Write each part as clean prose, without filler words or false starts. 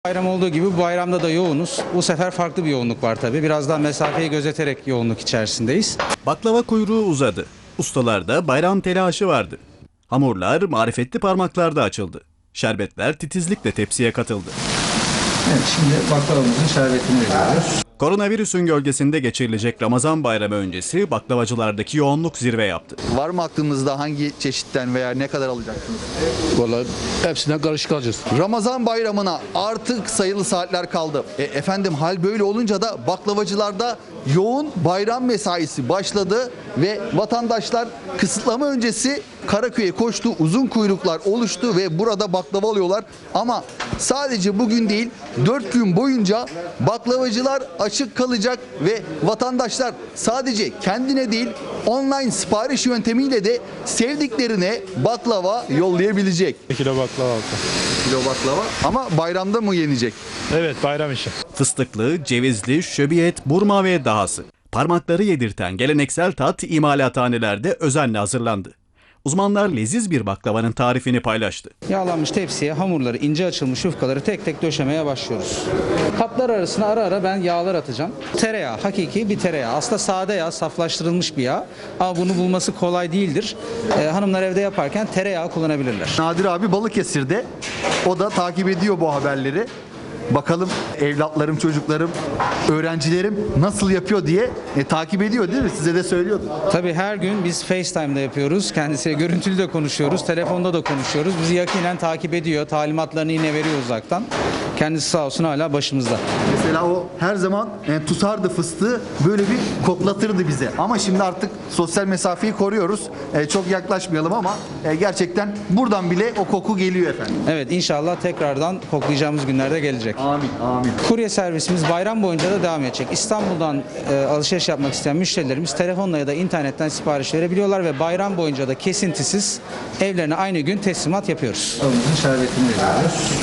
Bayram olduğu gibi bu bayramda da yoğunuz. Bu sefer farklı bir yoğunluk var tabii. Biraz daha mesafeyi gözeterek yoğunluk içerisindeyiz. Baklava kuyruğu uzadı. Ustalarda bayram telaşı vardı. Hamurlar marifetli parmaklarda açıldı. Şerbetler titizlikle tepsiye katıldı. Evet, şimdi baklavamızın şerbetini veriyoruz. Koronavirüsün gölgesinde geçirilecek Ramazan bayramı öncesi baklavacılardaki yoğunluk zirve yaptı. Var mı aklınızda hangi çeşitten veya ne kadar alacaksınız? Vallahi hepsinden karışık alacağız. Ramazan bayramına artık sayılı saatler kaldı. Efendim hal böyle olunca da baklavacılarda yoğun bayram mesaisi başladı ve vatandaşlar kısıtlama öncesi Karaköy'e koştu. Uzun kuyruklar oluştu ve burada baklava alıyorlar. Ama sadece bugün değil 4 gün boyunca baklavacılar açık kalacak ve vatandaşlar sadece kendine değil online sipariş yöntemiyle de sevdiklerine baklava yollayabilecek. Kilo baklava aldı. Kilo baklava ama bayramda mı yenecek? Evet, bayram işi. Fıstıklı, cevizli, şöbiyet, burma ve dahası. Parmakları yedirten geleneksel tat imalathanelerde özenle hazırlandı. Uzmanlar leziz bir baklavanın tarifini paylaştı. Yağlanmış tepsiye hamurları, ince açılmış yufkaları tek tek döşemeye başlıyoruz. Kaplar arasına ara ara ben yağlar atacağım. Tereyağı, hakiki bir tereyağı. Aslında sade yağ, saflaştırılmış bir yağ. Ama bunu bulması kolay değildir. Hanımlar evde yaparken tereyağı kullanabilirler. Nadir abi Balıkesir'de. O da takip ediyor bu haberleri. Bakalım evlatlarım, çocuklarım, öğrencilerim nasıl yapıyor diye takip ediyor değil mi? Size de söylüyordu. Tabii her gün biz FaceTime'da yapıyoruz. Kendisiyle görüntülü de konuşuyoruz. Telefonda da konuşuyoruz. Bizi yakinen takip ediyor. Talimatlarını yine veriyor uzaktan. Kendisi sağ olsun hala başımızda. Mesela o her zaman tutardı fıstığı, böyle bir koklatırdı bize. Ama şimdi artık sosyal mesafeyi koruyoruz. Çok yaklaşmayalım ama gerçekten buradan bile o koku geliyor efendim. Evet, inşallah tekrardan koklayacağımız günlerde gelecek. Amin, amin. Kurye servisimiz bayram boyunca da devam edecek. İstanbul'dan alışveriş yapmak isteyen müşterilerimiz telefonla ya da internetten sipariş verebiliyorlar ve bayram boyunca da kesintisiz evlerine aynı gün teslimat yapıyoruz. Babamızın şerbetini veriyoruz.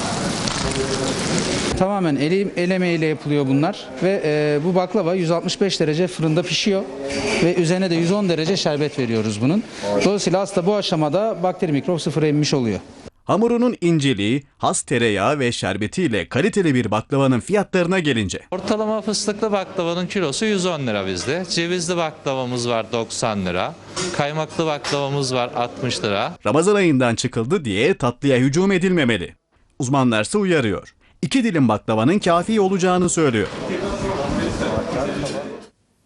Tamamen el emeğiyle yapılıyor bunlar ve bu baklava 165 derece fırında pişiyor ve üzerine de 110 derece şerbet veriyoruz bunun. Dolayısıyla aslında bu aşamada bakteri mikrop sıfıra inmiş oluyor. Hamurunun inceliği, has tereyağı ve şerbetiyle kaliteli bir baklavanın fiyatlarına gelince. Ortalama fıstıklı baklavanın kilosu 110 lira bizde. Cevizli baklavamız var 90 lira. Kaymaklı baklavamız var 60 lira. Ramazan ayından çıkıldı diye tatlıya hücum edilmemeli. Uzmanlarsa uyarıyor. 2 dilim baklavanın kafi olacağını söylüyor.